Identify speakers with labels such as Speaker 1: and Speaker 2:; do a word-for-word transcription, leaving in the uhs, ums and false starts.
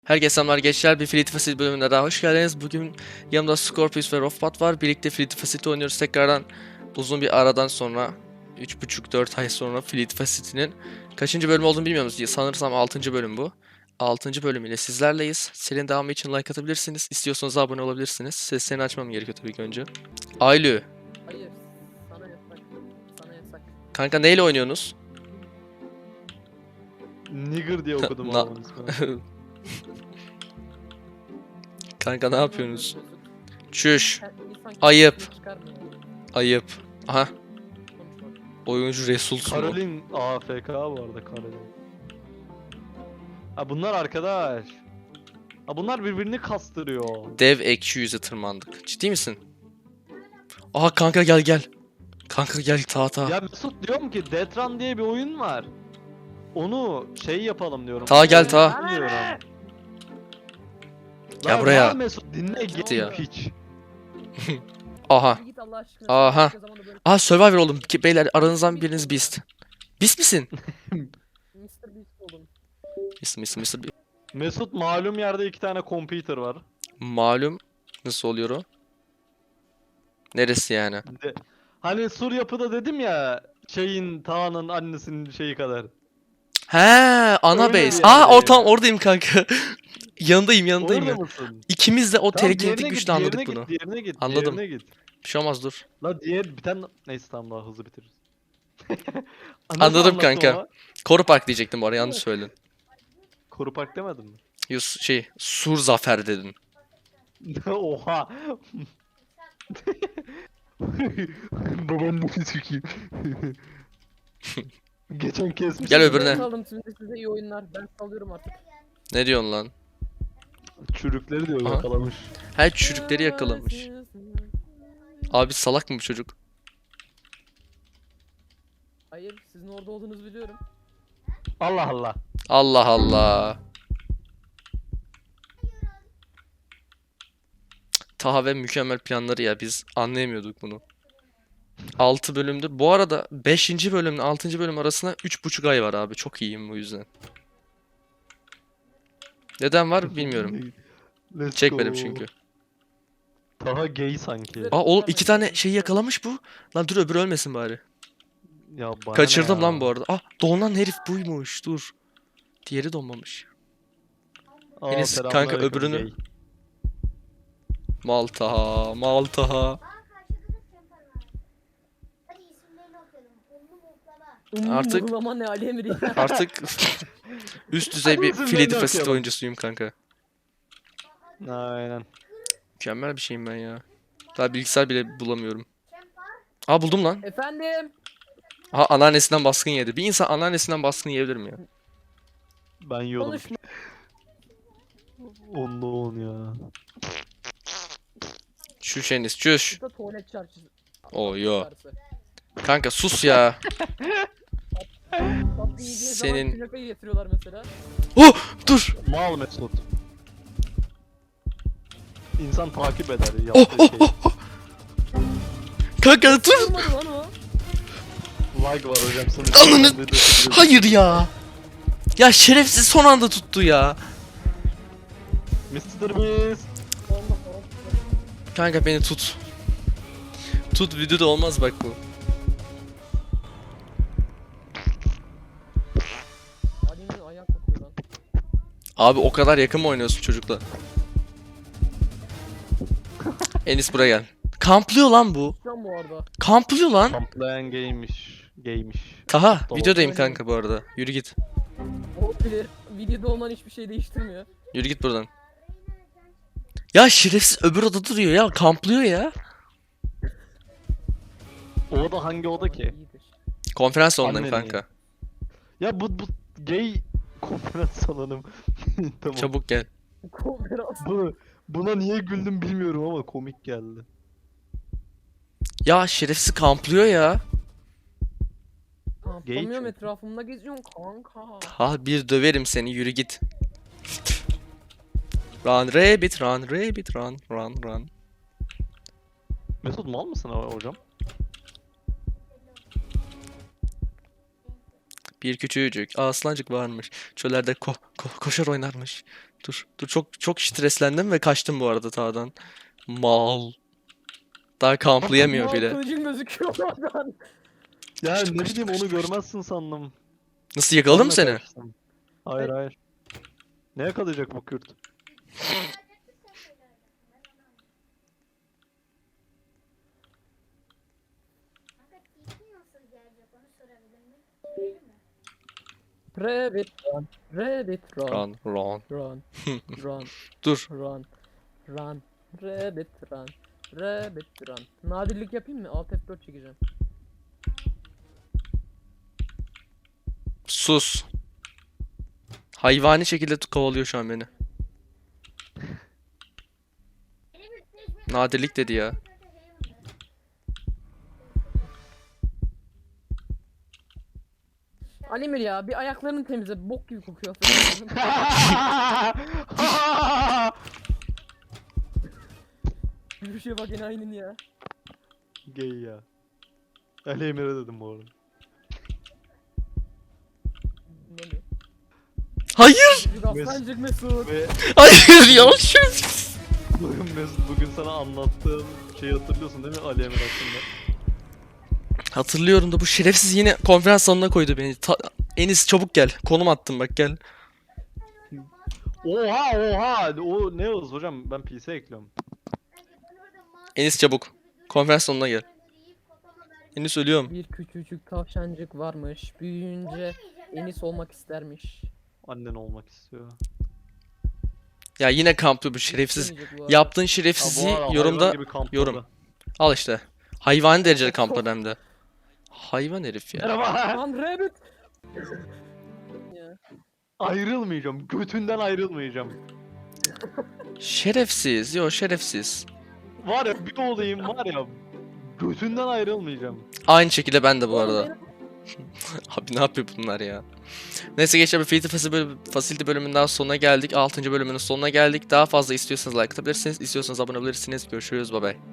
Speaker 1: Herkese selamlar gençler, bir Fleet Facility bölümüne daha hoş geldiniz. Bugün yanımda Scorpius ve Rofbat var. Birlikte Fleet Facility oynuyoruz tekrardan. Uzun bir aradan sonra, üç buçuk dört ay sonra Fleet Facility'nin kaçıncı bölüm olduğunu bilmiyoruz. Sanırsam altıncı bölüm bu. altıncı bölümüyle sizlerleyiz. Serinin devamı için like atabilirsiniz. İstiyorsanız abone olabilirsiniz. Seslerini açmam gerekiyor tabii ki önce. Aylü.
Speaker 2: Hayır, sana yasak. Sana yasak.
Speaker 1: Kanka neyle oynuyorsunuz?
Speaker 3: Nigger diye okudum
Speaker 1: Na-
Speaker 3: adamın ismini.
Speaker 1: Kanka ne yapıyorsunuz? Çüş.
Speaker 2: Sen- insan
Speaker 1: Ayıp.
Speaker 2: kendisini çıkarmıyor.
Speaker 1: Ayıp. Aha.
Speaker 2: Konuşma.
Speaker 1: Oyuncu Resulsun o.
Speaker 3: Karolin A F K bu arada Karolin. Ha bunlar arkadaş. Ha bunlar birbirini kastırıyor.
Speaker 1: Dev ekşi yüze tırmandık. Ciddi misin? Aha kanka gel gel. Kanka gel ta ta.
Speaker 3: Ya Mesut diyorum ki Detran diye bir oyun var. Onu şey yapalım diyorum.
Speaker 1: Ta gel ta.
Speaker 3: Diyorum.
Speaker 1: Gel
Speaker 3: Lan
Speaker 1: buraya.
Speaker 3: lan Mesut dinle
Speaker 1: Gitti ya.
Speaker 3: git piç.
Speaker 1: Aha.
Speaker 2: Git Allah aşkına.
Speaker 1: Aha.
Speaker 2: Başka zamanda böyle
Speaker 1: Aha Survivor oldum. Ki- Beyler aranızdan biriniz Beast. Beast misin?
Speaker 2: mister Beast oldum.
Speaker 1: Beast mister mister Beast.
Speaker 3: Mesut malum yerde iki tane computer var.
Speaker 1: Malum. Nasıl oluyor o? Neresi yani?
Speaker 3: De, hani Sur yapıda dedim ya şeyin Tağ'ın annesinin şeyi kadar.
Speaker 1: He, ana
Speaker 3: Öyle
Speaker 1: base.
Speaker 3: bir
Speaker 1: Aa
Speaker 3: yerdeyim.
Speaker 1: ortam oradayım kanka. yanındayım yanındayım
Speaker 3: Orada
Speaker 1: ya.
Speaker 3: mısın?
Speaker 1: İkimiz de o
Speaker 3: Tamam,
Speaker 1: telekinetik
Speaker 3: diğerine
Speaker 1: güçle
Speaker 3: git,
Speaker 1: anladık
Speaker 3: diğerine
Speaker 1: bunu.
Speaker 3: Git, diğerine git,
Speaker 1: Anladım.
Speaker 3: Diğerine git.
Speaker 1: Bir şey olmaz dur.
Speaker 3: La diğer bir tane neyse tamam daha hızlı bitiririz. Nasıl
Speaker 1: Anladım
Speaker 3: anlattım
Speaker 1: kanka.
Speaker 3: ama?
Speaker 1: Koru Park diyecektim bu arada yanlış söyledin.
Speaker 3: Koru Park demedim mi?
Speaker 1: Yus şey Sur Zafer dedin.
Speaker 3: Oha. Babanın sikeyim. Geçen kesmiş.
Speaker 1: Gel öbürüne.
Speaker 2: Ben saldım şimdi size iyi oyunlar. Ben salıyorum artık.
Speaker 1: Ne diyorsun lan?
Speaker 3: Çürükleri diyor
Speaker 1: Aha.
Speaker 3: yakalamış.
Speaker 1: Her çocukları yakalamış. Abi salak mı bu çocuk?
Speaker 2: Hayır, sizin orada olduğunuzu biliyorum.
Speaker 3: Allah Allah.
Speaker 1: Allah Allah. Taha ve mükemmel planları ya biz anlayamıyorduk bunu. altı bölümdür. Bu arada beşinci bölümle altıncı bölüm arasında üç buçuk ay var abi. Çok iyiyim bu yüzden. Neden var bilmiyorum.
Speaker 3: Let's
Speaker 1: Çekmedim
Speaker 3: go.
Speaker 1: çünkü.
Speaker 3: Daha gay sanki.
Speaker 1: Aa oğlum iki tane şeyi yakalamış bu. Lan dur öbürü ölmesin bari.
Speaker 3: Ya bana
Speaker 1: Kaçırdım
Speaker 3: ne
Speaker 1: lan
Speaker 3: ya?
Speaker 1: bu arada. Ah donan herif buymuş dur. Diğeri donmamış.
Speaker 3: Aa,
Speaker 1: Enes,
Speaker 3: selamünaleyküm,
Speaker 1: kanka öbürünü-
Speaker 3: gay.
Speaker 1: Maltaha, Maltaha. Artık-
Speaker 2: Uygulama ne Ali Emri?
Speaker 1: Artık üst düzey bir
Speaker 3: Hadi
Speaker 1: Fleet
Speaker 3: bizim
Speaker 1: Facility
Speaker 3: okuyalım.
Speaker 1: oyuncusuyum kanka.
Speaker 3: Aynen.
Speaker 1: Mükemmel bir şeyim ben ya. Daha bilgisayar bile bulamıyorum. Aa buldum lan.
Speaker 2: Efendim.
Speaker 1: Aha anneannesinden baskın yedi. Bir insan anneannesinden baskın yiyebilir mi ya?
Speaker 3: Ben yiyordum.
Speaker 2: Konuşma.
Speaker 3: Onda on ya.
Speaker 1: Şuş Enis çüş.
Speaker 2: Burada tuvalet çarşısı.
Speaker 1: Oo yo.
Speaker 2: Çarşısı.
Speaker 1: Kanka sus ya.
Speaker 2: Tatlı yiyeceği zaman
Speaker 1: Senin-
Speaker 2: künefe getiriyorlar mesela.
Speaker 1: Oh dur.
Speaker 3: Mal Mesut. İnsan takip eder
Speaker 1: Oh
Speaker 3: yaptığı
Speaker 1: oh
Speaker 3: şey.
Speaker 1: oh. oh. Kanka dur.
Speaker 2: Olmadı lan o.
Speaker 3: Lag var hocam sana.
Speaker 1: Ananı- Hayır ya. Ya şerefsiz son anda tuttu ya.
Speaker 3: mister Beast.
Speaker 2: Olmaz, olmaz.
Speaker 1: Kanka beni tut. Tut videoda olmaz bak bu.
Speaker 2: Ali Emri ayak kokuyor lan.
Speaker 1: Abi o kadar yakın mı oynuyorsun çocukla? Enis buraya gel. Kamplıyor lan bu.
Speaker 2: Lan bu arada.
Speaker 1: Kamplıyor lan.
Speaker 3: Kamplayan gaymiş. Gaymiş.
Speaker 1: Taha
Speaker 3: Tamam.
Speaker 1: videodayım kanka bu arada. Yürü git.
Speaker 2: Olabilir. Videoda olman hiçbir şey değiştirmiyor.
Speaker 1: Yürü git buradan. Ya şerefsiz öbür odada duruyor ya. Kamplıyor ya.
Speaker 3: O oda hangi oda ki?
Speaker 2: İyidir.
Speaker 1: Konferans salonundayım
Speaker 3: Annenin
Speaker 1: kanka.
Speaker 3: Ya bu bu gay konferans salonum. Tamam.
Speaker 1: Çabuk gel.
Speaker 2: Konferans.
Speaker 3: Bu, buna niye güldüm bilmiyorum ama komik geldi.
Speaker 1: Ya şerefsiz kamplıyor ya.
Speaker 2: Kamplamıyorum,
Speaker 3: çünkü.
Speaker 2: etrafımda geziyorum kanka.
Speaker 1: Ha bir döverim seni yürü git. Run rabbit run rabbit run run run.
Speaker 3: Mesut mal mısın abi hocam?
Speaker 1: Bir küçücük aslancık varmış. Çöllerde ko ko- koşar oynarmış. Dur, dur çok çok streslendim ve kaçtım bu arada tağdan. Mal. Daha kamplayamıyor
Speaker 2: Mal
Speaker 1: bile.
Speaker 2: kılıcın gözüküyor oradan.
Speaker 3: Ya
Speaker 1: Kaçtım,
Speaker 3: ne
Speaker 1: kaçtım,
Speaker 3: bileyim onu
Speaker 1: kaçtım, kaçtım.
Speaker 3: görmezsin sandım.
Speaker 1: Nasıl yakaladı mı
Speaker 3: Sonra
Speaker 1: seni?
Speaker 3: kaçtım. Hayır hayır. Ne yakalayacak bu Kürt?
Speaker 2: Rabbit run. Rabbit run.
Speaker 1: Run, run.
Speaker 2: Run. Run.
Speaker 1: Dur.
Speaker 2: Run. Run. Rabbit run. Rabbit run. Nadirlik yapayım mı? Alt F dört çekeceğim.
Speaker 1: Sus. Hayvani şekilde tu- kovalıyor şu an beni. Nadirlik dedi ya.
Speaker 2: Alimir ya bir ayaklarını temizle. Bok gibi kokuyor. Bir şey bak yine aynın ya.
Speaker 3: Gay ya. Ali Emir'e dedim bu arada.
Speaker 2: Ne mi?
Speaker 1: Hayır.
Speaker 2: Çocuk aslancık Mesut.
Speaker 3: Ve
Speaker 1: Hayır ya. Şerefsiz.
Speaker 3: bugün Mesut bugün sana anlattığım şeyi hatırlıyorsun değil mi Ali Emir hakkında?
Speaker 1: Hatırlıyorum da bu şerefsiz yine konferans salonuna koydu beni. Ta- Enis çabuk gel. Konum attım bak gel.
Speaker 3: Oha oha! O ne hız hocam? Ben P C ekliyorum.
Speaker 1: Enis çabuk. Konferans salonuna gel. Enis ölüyorum.
Speaker 2: Bir küçücük tavşancık varmış. Büyüyünce Enis olmak istermiş.
Speaker 3: Annen olmak istiyor.
Speaker 1: Ya yine kamplı bu şerefsiz.
Speaker 2: İstemeyecek bu arada.
Speaker 1: Yaptığın
Speaker 3: Ha, bu
Speaker 1: şerefsizliği
Speaker 3: arada hayvan
Speaker 1: yorumda
Speaker 3: gibi kampladı.
Speaker 1: yorum. Al işte. Hayvani derecede kamplar hem de. Hayvan herif ya.
Speaker 3: Merhaba.
Speaker 2: Lan Rabbit. Ya.
Speaker 3: Ayrılmayacağım. Götünden ayrılmayacağım.
Speaker 1: Şerefsiz. Yo şerefsiz.
Speaker 3: Var ya bir olayım var ya. Götünden ayrılmayacağım.
Speaker 1: Aynı şekilde ben de bu
Speaker 2: Oğlum
Speaker 1: arada.
Speaker 2: benim-
Speaker 1: Abi ne yapıyor bunlar ya? Neyse gençler, bir Facility Facility bölüm, Facility bölümünün daha sonuna geldik. altıncı bölümünün sonuna geldik. Daha fazla istiyorsanız like atabilirsiniz. İstiyorsanız abone olabilirsiniz. Görüşürüz. Bye bye.